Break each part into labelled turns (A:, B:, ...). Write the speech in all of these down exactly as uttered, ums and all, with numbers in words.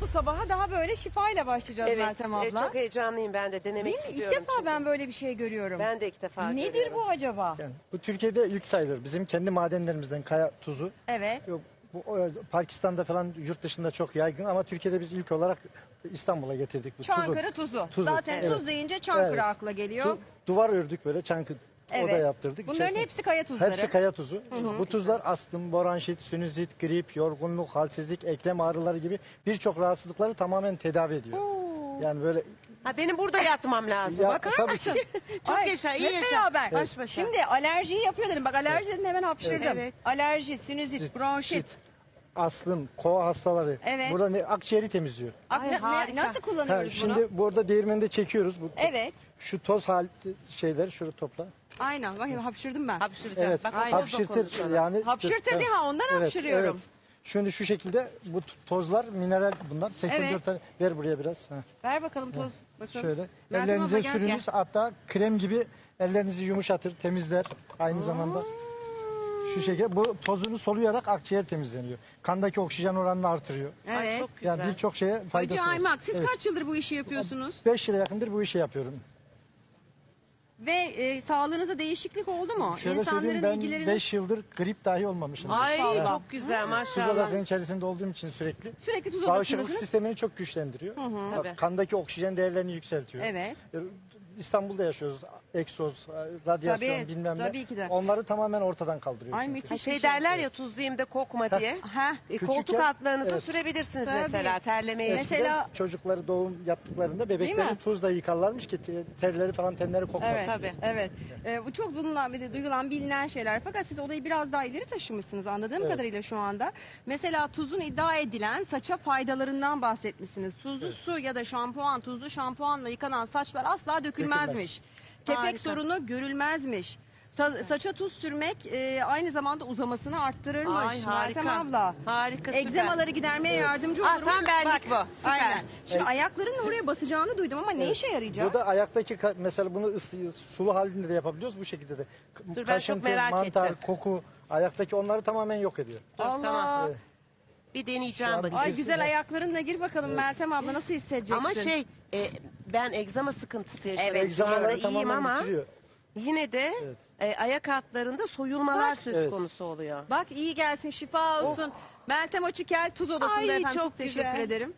A: bu sabaha daha böyle şifayla başlayacağız
B: Evet,
A: Meltem
B: e,
A: abla.
B: çok heyecanlıyım ben de denemek
A: Değil mi? İlk
B: istiyorum.
A: defa
B: çünkü.
A: ben böyle bir şey görüyorum.
B: Ben de ilk defa
A: Nedir
B: görüyorum.
A: bu acaba?
C: Yani bu Türkiye'de ilk sayılır. Bizim kendi madenlerimizden kaya tuzu.
A: Evet.
C: Yok, bu o, Pakistan'da falan yurt dışında çok yaygın ama Türkiye'de biz ilk olarak İstanbul'a getirdik bu
A: Çankırı tuzu.
C: Tuzu,
A: Zaten
C: evet.
A: tuz deyince Çankırı
C: Evet.
A: akla geliyor.
C: Tu- duvar ördük böyle Çankırı oda
A: Evet.
C: yaptırdık.
A: Bunların
C: İçerisine-
A: hepsi kaya tuzları.
C: Hepsi kaya tuzu.
A: hı.
C: Bu tuzlar astım, boranşit, sinüzit, grip, yorgunluk, halsizlik, eklem ağrıları gibi birçok rahatsızlıkları tamamen tedavi ediyor.
A: Oo.
C: Yani böyle
B: Ha, benim burada yatmam lazım.
C: Ya,
A: Bakar
C: tabii
A: mısın?
C: ki.
B: Çok
A: Ay,
B: yaşa, iyi
A: hep
B: yaşa.
A: beraber.
B: Baş başa.
A: Şimdi alerjiyi yapıyor dedim. Bak alerji dedim hemen hapşırdım.
B: Evet.
A: Alerji, sinüzit,
C: Sit,
A: bronşit.
C: astım, kova hastaları.
A: Evet.
C: Burada ne, akciğeri temizliyor.
A: Ak-
B: Ay,
A: ne-
B: harika.
A: nasıl
C: Ha,
A: kullanıyoruz
C: şimdi
A: bunu?
C: burada değirmende çekiyoruz. Bu,
A: Evet.
C: Şu toz hal şeyler şunu topla.
A: Aynen. Bak hapşırdım ben.
B: Hapşıracağım.
C: Evet.
B: Bak, o
A: Aynen.
B: toz dokunuş
C: Hapşırtır
B: bana.
C: yani.
A: Hapşırtır
C: Evet.
A: değil ha ondan
C: Evet,
A: hapşırıyorum.
C: evet. Şimdi şu şekilde bu t- tozlar mineral bunlar. seksen dört
A: Evet.
C: tane. Ver buraya biraz. Ha,
A: Ver bakalım toz. Bakalım.
C: şöyle.
A: Meltem
C: Ellerinize
A: abla gel,
C: sürünüz.
A: gel.
C: Hatta krem gibi ellerinizi yumuşatır, temizler. Aynı zamanda şu şekilde bu tozunu soluyarak akciğer temizleniyor. Kandaki oksijen oranını artırıyor.
B: Ay,
A: Evet.
B: çok güzel.
C: Yani birçok şeye faydası
A: Hacı
C: var.
A: Aymak siz
C: Evet.
A: kaç yıldır bu işi yapıyorsunuz?
C: beş yıla yakındır bu işi yapıyorum.
A: Ve e, sağlığınıza değişiklik oldu mu?
C: Şöyle söyleyeyim,
A: İnsanların
C: ben
A: ilgilerini
C: beş yıldır grip dahi olmamışım.
B: Ay
A: Maşallah.
B: çok güzel
C: Tuz
B: maşallah.
C: odasının içerisinde olduğum için sürekli.
A: sürekli tuz
C: Bağışıklık
A: odasındasınız.
C: sistemini çok güçlendiriyor.
A: Hı hı.
C: Bak,
B: Tabii.
C: kandaki oksijen değerlerini yükseltiyor.
A: Evet.
C: E, İstanbul'da yaşıyoruz. Egzoz, radyasyon
A: Tabii,
C: bilmem ne.
A: tabii ki de.
C: Onları tamamen ortadan kaldırıyor.
A: Ay
C: çünkü.
A: müthiş
B: Ha,
A: bir
B: şey
A: şey.
B: derler ya tuzlayayım da kokma diye.
A: Ha.
B: E,
C: Küçükken-
B: koltuk altlarınıza
C: evet.
B: sürebilirsiniz
A: Tabii.
B: mesela terlemeye.
A: Mesela-
C: Eskiden çocukları doğum yaptıklarında
A: Değil
C: bebekleri
A: mi?
C: tuzla yıkarlarmış ki te- terleri falan tenleri kokmasın.
A: Evet,
B: Tabii.
A: evet. Ee, bu çok bulunan bir de duyulan, bilinen şeyler. Fakat siz olayı biraz daha ileri taşımışsınız anladığım
C: Evet.
A: kadarıyla şu anda. Mesela tuzun iddia edilen saça faydalarından bahsetmişsiniz. Tuzlu
C: Evet.
A: su ya da şampuan, tuzlu şampuanla yıkanan saçlar asla dökülmezmiş. Kepek
B: Harika.
A: sorunu görülmezmiş. Ta- saça tuz sürmek e, aynı zamanda uzamasını arttırırmış.
B: Ay harika.
A: Meltem abla.
B: Harika süper.
A: Egzemaları gidermeye
C: Evet.
A: yardımcı
B: Ah,
A: olurmuş.
B: tam benlik
A: Bak,
B: bu. Süper.
A: Aynen. Şimdi
C: Evet.
A: ayaklarınla oraya basacağını duydum ama ne
C: Evet.
A: işe yarayacak?
C: Bu da ayaktaki ka- mesela bunu ısı, sulu halinde de yapabiliyoruz bu şekilde de. K-
B: Dur, ben çok
C: Kaşıntı,
B: merak
C: mantar,
B: ettim.
C: koku ayaktaki onları tamamen yok ediyor.
B: Dur,
A: Allah.
B: tamam.
C: Evet.
B: Bir
C: Şu
B: deneyeceğim
C: an
B: bakayım.
A: Ay
C: Kesin
A: güzel
C: de.
A: ayaklarınla gir bakalım
C: Evet.
A: Meltem abla nasıl hissedeceksin?
B: Ama şey e, ben egzama sıkıntısı yaşadım.
A: Evet,
B: Şu anda
C: Egzamaları
B: iyiyim
C: tamamen
B: ama
C: bitiriyor.
B: yine de
C: Evet.
B: e, ayak altlarında soyulmalar
A: Bak.
B: söz
C: Evet.
B: konusu oluyor.
A: Bak iyi gelsin şifa olsun. Meltem Açıkel Tuz Odası'nda
B: Ay,
A: efendim çok,
B: çok
A: teşekkür
B: güzel.
A: ederim.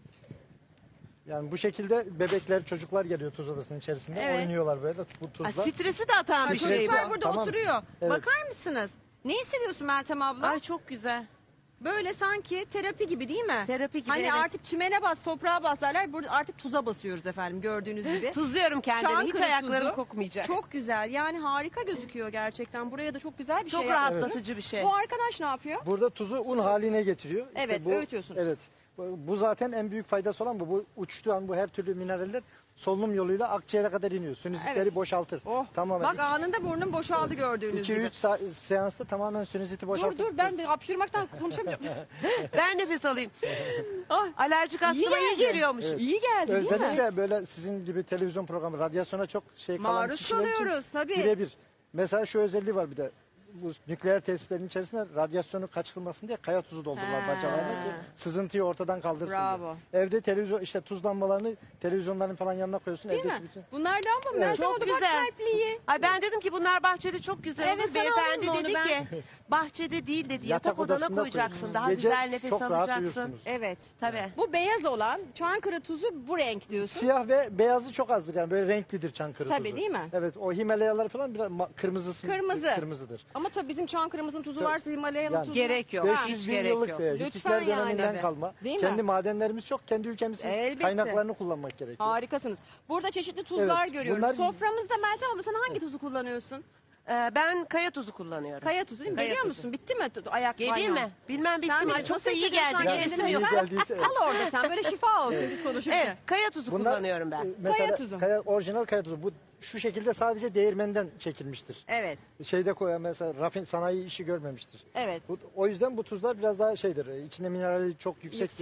C: Yani bu şekilde bebekler, çocuklar geliyor tuz odasının içerisinde.
A: Evet.
C: Oynuyorlar böyle bu
B: Ha,
C: tuzla.
B: stresi de atan
A: Ay,
B: bir
C: Stresi-
B: şey bu.
A: çocuklar burada
C: Tamam.
A: oturuyor.
C: Evet.
A: Bakar mısınız? Ne hissediyorsun Meltem abla?
B: Ay çok güzel.
A: Böyle sanki terapi gibi değil mi?
B: Terapi gibi,
A: Hani
B: evet.
A: artık çimene bas, toprağa bas derler. Burada artık tuza basıyoruz efendim gördüğünüz gibi.
B: Tuzluyorum kendimi. Hiç
A: Çankırı
B: ayaklarım
A: tuzu.
B: kokmayacak.
A: Çok güzel. Yani harika gözüküyor gerçekten. Buraya da çok güzel bir
B: Çok
A: şey
B: rahatlatıcı bir şey.
A: Bu arkadaş ne yapıyor?
C: Burada tuzu un haline getiriyor. İşte
A: Evet,
C: bu,
A: öğütüyorsunuz.
C: Evet. Bu bu zaten en büyük faydası olan bu. Bu uçtuğu an bu her türlü mineraller solunum yoluyla akciğere kadar iniyor. Sinüzitleri
A: Evet.
C: boşaltır.
A: Oh.
C: Tamamen.
A: Bak anında burnum boşaldı gördüğünüz
C: iki
A: gibi.
C: üç seansta tamamen sinüziti boşaltır.
A: Dur dur ben bir hapşırmaktan konuşamayacağım.
B: Ben nefes alayım.
A: ah,
B: Alerjik astma iyi
A: geldi.
B: geliyormuş.
C: Evet.
A: iyi geldi değil mi?
C: Özellikle böyle sizin gibi televizyon programı, radyasyona çok şey kalan
A: Maruz
C: kişiler için
A: kalıyoruz tabii.
C: birebir. Mesela şu özelliği var bir de. Bu nükleer tesislerin içerisinde radyasyonu kaçırılmasın diye kaya tuzu doldururlar
A: Ha.
C: bacalarına ki sızıntıyı ortadan kaldırsın
A: Bravo.
C: diye. Evde televizyon işte tuz lambalarını televizyonların falan yanına koyuyorsun.
A: Değil
C: evdeki
A: mi?
C: bütün
A: Bunlar lamba mı?
C: Evet.
A: Meltem
B: Çok
A: abla bak
B: güzel.
A: kalpliyi.
B: Ay ben dedim ki bunlar bahçede çok güzel
A: Evet,
B: olur.
A: sana
B: Beyefendi
A: alayım mı
B: dedi
A: onu
B: ki bahçede değil dedi. Yatak, odana
C: odasında
B: koyacaksın.
C: koyuyorsunuz.
B: Daha
C: Gece
B: güzel nefes
C: çok rahat
B: alacaksın.
C: uyursunuz.
A: Evet.
B: Tabii.
A: Bu beyaz olan Çankırı tuzu bu renk diyorsun.
C: Siyah ve beyazı çok azdır yani böyle renklidir Çankırı
A: Tabii,
C: tuzu.
A: değil mi?
C: Evet o Himalayalar falan biraz ma- kırmızısı
A: Kırmızı.
C: kırmızıdır.
A: Ama tabii bizim Çankırı'mızın tuzu
C: Tabii.
A: varsa Himalayalı
C: Yani
A: tuzu
B: gerek yok.
A: Ha.
B: Hiç
C: beş yüz bin
B: gerek
C: yıllık
B: yok.
C: e,
A: Lütfen
C: Hititler
A: yani.
C: döneminden
A: Evet.
C: kalma.
A: Değil mi?
C: Kendi madenlerimiz çok, kendi ülkemizin
A: Elbette.
C: kaynaklarını kullanmak gerekiyor.
A: Harikasınız. Burada çeşitli tuzlar
C: Evet,
A: görüyoruz.
C: bunlar-
A: Soframızda Meltem abla sen hangi tuzu kullanıyorsun?
B: Ee, ben kaya tuzu kullanıyorum.
A: Kaya tuzu değil mi?
B: Kaya
A: Geliyor
B: tuzu.
A: musun? Bitti mi tu- ayak
B: Geleyim
A: banyo?
B: mi? Bilmem bitti
A: Sen
B: mi?
A: bir-
B: Çok
A: nasıl
B: da iyi
A: hissediyorsan
B: geldi.
A: kendini
B: Gelesim
C: iyi
B: yok.
C: geldiyse evet.
A: Kal orada sen böyle şifa olsun
C: Evet.
A: biz konuşurken.
B: Evet, kaya tuzu
C: Bunlar,
B: kullanıyorum ben.
C: e, Mesela
A: Kaya tuzu.
C: kaya- orijinal kaya tuzu. Bu şu şekilde sadece değirmenden çekilmiştir.
A: Evet.
C: Şeyde koyan mesela rafin sanayi işi görmemiştir.
A: Evet.
C: Bu, o yüzden bu tuzlar biraz daha şeydir. e, İçinde minerali çok yüksektir.
A: Yüksek.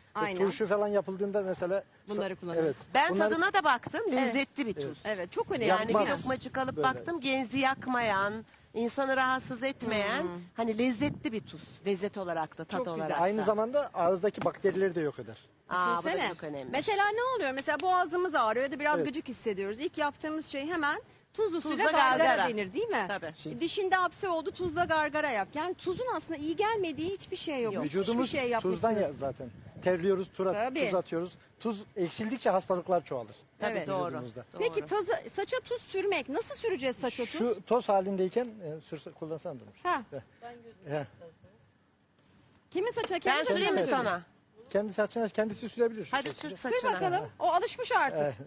C: E,
A: Aynen.
C: turşu falan yapıldığında mesela
A: Bunları kullanırız.
C: Evet.
B: Ben
C: Bunlar-
B: tadına da baktım. Lezzetli bir tuz.
C: Evet.
A: Evet, çok önemli.
B: Yani
C: Yakmaz.
B: bir lokmacık alıp
C: Böyle.
B: baktım, genzi yakmayan, insanı rahatsız etmeyen,
A: Hmm.
B: hani lezzetli bir tuz. Lezzet olarak da, tat
A: Çok güzel.
B: olarak da.
C: aynı zamanda ağızdaki bakterileri de yok eder.
B: Aa, bu da
A: Düşünsene.
B: çok önemli.
A: Mesela ne oluyor? Mesela boğazımız ağrıyor ya da biraz
C: Evet.
A: gıcık hissediyoruz. İlk yaptığımız şey hemen tuzlu
B: Tuzla
A: suyla gargara,
B: gargara.
A: denir değil mi?
B: Tabii.
C: Şimdi-
A: Dişinde hapse oldu, tuzla gargara yap. Yani tuzun aslında iyi gelmediği hiçbir şey yok.
B: Yok.
A: Hiçbir
C: Vücudumuz
A: şey
C: tuzdan
A: yapmışsınız.
C: ya zaten. Terliyoruz, tura,
A: Tabii.
C: tuz atıyoruz. Tuz eksildikçe hastalıklar çoğalır.
B: Tabii
A: Evet.
B: doğru.
C: Vücudumuzda.
B: doğru.
A: Peki tazı, saça tuz sürmek nasıl süreceğiz saça tuz?
C: Şu toz halindeyken e, sürse, kullansan da olur.
A: Ha.
C: He.
A: Kimin saçına?
B: Ben
A: Kendi saçına
B: süreyim mi
A: mı sürüyorsun?
B: sana?
C: Kendi saçına kendisi sürebilir. şu
B: Hadi
C: şekilde.
B: sür
A: Sür
B: saçına.
A: bakalım. O alışmış artık.
C: Eh,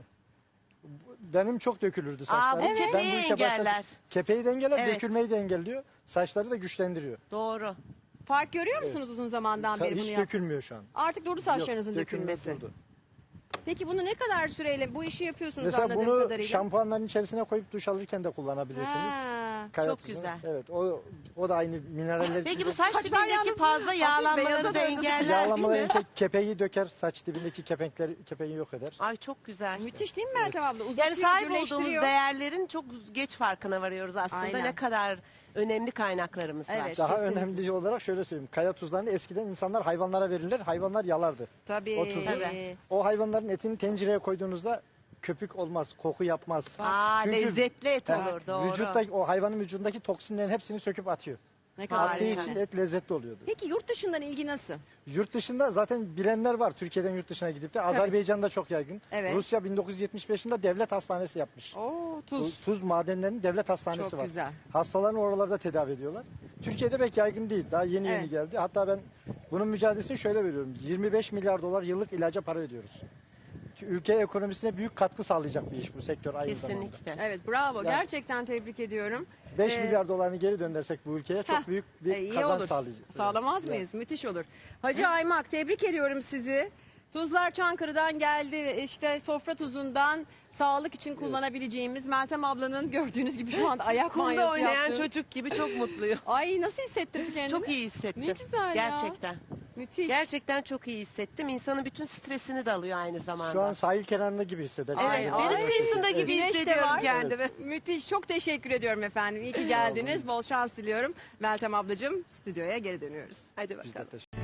C: Benim çok dökülürdü
B: Aa,
C: saçlarım.
B: bu
A: Evet.
B: kepeği engeller.
C: Kepeği de engeller,
B: Evet.
C: dökülmeyi de engelliyor. Saçları da güçlendiriyor.
B: Doğru.
A: Fark görüyor musunuz uzun zamandan
C: Ta-
A: beri bunu
C: Hiç
A: yap?
C: dökülmüyor şu an.
A: Artık durdu saçlarınızın
C: Yok, dökülme
A: dökülmesi.
C: durdu.
A: Peki bunu ne kadar süreyle bu işi yapıyorsunuz
C: Mesela
A: anladığım
C: bunu
A: kadarıyla?
C: şampuanların içerisine koyup duş alırken de kullanabilirsiniz.
A: Ha.
C: Kaya
B: çok
C: tuzunu.
B: güzel.
C: Evet, o o da aynı mineraller.
B: Peki bu
C: içinde.
B: saç
A: Saçlar
B: dibindeki
A: yalnız
B: fazla
A: hafif
B: yağlanmaları
A: beyaza
B: da
A: döndü.
B: engeller
C: Yağlamaları
B: değil mi?
C: ke- kepeği döker, saç dibindeki kepenkleri kepeği yok eder.
B: Ay çok güzel.
A: Müthiş değil mi Meltem abla? Uzatıyor,
B: Yani sahip olduğumuz
A: gürleştiriyor.
B: değerlerin çok geç farkına varıyoruz aslında.
A: Aynen.
B: Ne kadar önemli kaynaklarımız var.
A: Evet.
C: Daha
A: kesinlikle.
C: önemli olarak şöyle söyleyeyim. Kaya tuzlarını eskiden insanlar hayvanlara verirler, hayvanlar yalardı.
A: Tabii.
C: O tuzu.
B: Tabii.
C: O hayvanların etini tencereye koyduğunuzda köpük olmaz, koku yapmaz.
B: Aa,
C: Çünkü-
B: lezzetli et
C: Ha,
B: olur doğru.
C: Vücuttaki, o hayvanın vücudundaki toksinlerin hepsini söküp atıyor.
A: Ne kadar
C: Attığı
B: Harika.
C: için et lezzetli oluyordu.
A: Peki yurt dışından ilgi nasıl?
C: Yurt dışında zaten bilenler var. Türkiye'den yurt dışına gidip de. Azerbaycan'da çok yaygın.
A: Evet.
C: Rusya bin dokuz yüz yetmiş beş yılında devlet hastanesi yapmış.
A: Oo,
C: Bu
A: tuz.
C: Tuz madenlerinin devlet hastanesi
A: Çok
C: var.
A: güzel.
C: Hastalarını oralarda tedavi ediyorlar. Türkiye'de pek yaygın değil. Daha yeni yeni
A: Evet.
C: geldi. Hatta ben bunun mücadelesini şöyle veriyorum. yirmi beş milyar dolar yıllık ilaca para ödüyoruz. Ülke ekonomisine büyük katkı sağlayacak bir iş bu sektör aynı zamanda.
B: Kesinlikle.
A: Evet bravo.
C: Yani-
A: Gerçekten tebrik ediyorum.
C: beş
A: Ee,
C: milyar dolarını geri döndürsek bu ülkeye çok
A: Heh,
C: büyük bir
A: e, iyi
C: kazanç
A: olur.
C: sağlayacak.
A: Sağlamaz
C: Evet.
A: mıyız? Müthiş olur. Hacı Aymak tebrik ediyorum sizi. Tuzlar Çankırı'dan geldi. İşte sofra tuzundan sağlık için kullanabileceğimiz Meltem ablanın gördüğünüz gibi şu anda ayak
B: Kumda
A: banyosu
B: oynayan
A: yaptı.
B: çocuk gibi çok mutluyum.
A: Ay nasıl hissettirdi kendini?
B: Çok iyi hissettim.
A: Ne güzel ya.
B: Gerçekten.
A: Müthiş.
B: Gerçekten çok iyi hissettim. İnsanın bütün stresini de alıyor aynı zamanda.
C: Şu an sahil kenarında gibi hisseder.
B: Evet,
A: Ay,
B: deniz
A: ay.
B: kıyısında
C: Evet.
B: gibi
A: Güneş de
B: hissediyorum
A: var.
B: kendimi.
A: Müthiş. Çok teşekkür ediyorum efendim. İyi ki geldiniz. Bol şans diliyorum. Meltem ablacığım stüdyoya geri dönüyoruz.
B: Hadi
C: Biz de
B: bakalım.
C: teşekkür